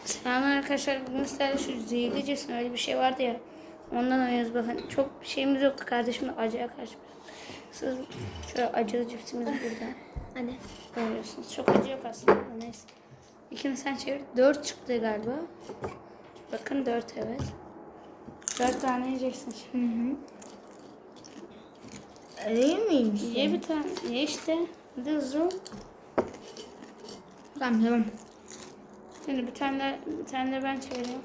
Selam arkadaşlar. Bugün sizlerle şu zehirli cisim öyle bir şey vardı ya. Ondan oynuyoruz bakın. Çok bir şeyimiz yoktu. Kardeşimle acıya karşı. Siz şöyle acılı cipsimiz burada. Hani? Görüyorsunuz. Çok acı yok aslında. Neyse. İkini sen çevir. 4 çıktı galiba. Bakın 4 evet. 4 tane yiyeceksin şimdi. Öyle miymiş? Ye bir tane. Ye işte. Hadi hızlı ol. Tamam. Şimdi bir tane de ben çeviriyorum.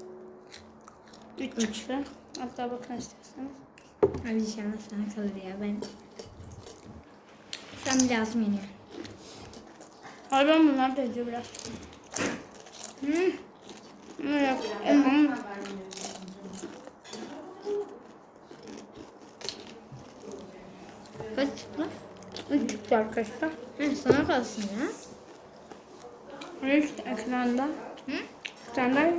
3 çıktı. Hatta bakın isterseniz. Hadi inşallah sana kalır ya ben. Sen lazım yeniyor. Hayır ben bunlar da acıyor biraz. Yok. Kaç çıktı? 3 çıktı arkadaşlar. Sana kalsın ya. Ve işte ekranda. Bir tane daha.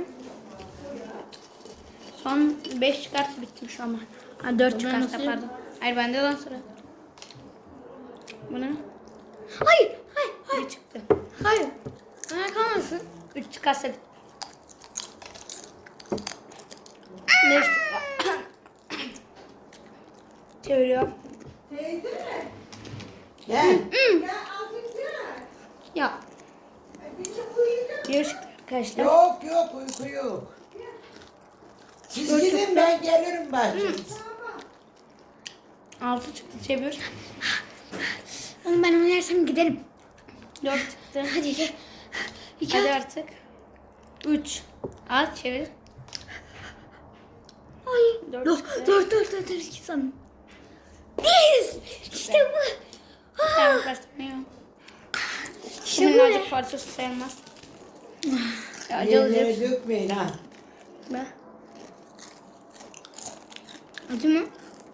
Son 5 çıkarsa bittim şu an. Ha 4 çıkarsa nasıl? pardon. Hayır bende lan sıra. Bu ne? Hayır. Bir çıktı. Hayır. Bana kalmasın. 3 çıkarsa bitti. 5 çıktı. Çeviriyorum. Gel. Ya. Bir çıktı arkadaşlar. Yok uyku yok. Siz gidin ben gelirim bahçenize. 6 çıktı çevir. Oğlum ben oynarsam giderim. 4 çıktı. Hadi gel. Hadi artık. 3. Al çevir. Ay. 4 çıktı. Dur. İki sanırım. Biz. İşte bu. Tamam başlamıyor. İşte Bunun bu acı ne? parçası sayılmaz. Acılı Yerlere cips. dökmeyin ha. Ne? Acı mı?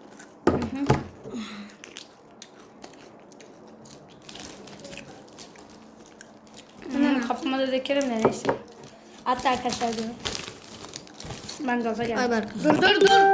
Kafama da dökerim de neyse. Hatta arkadaşlar diyorum. Ben gaza geldim. Dur.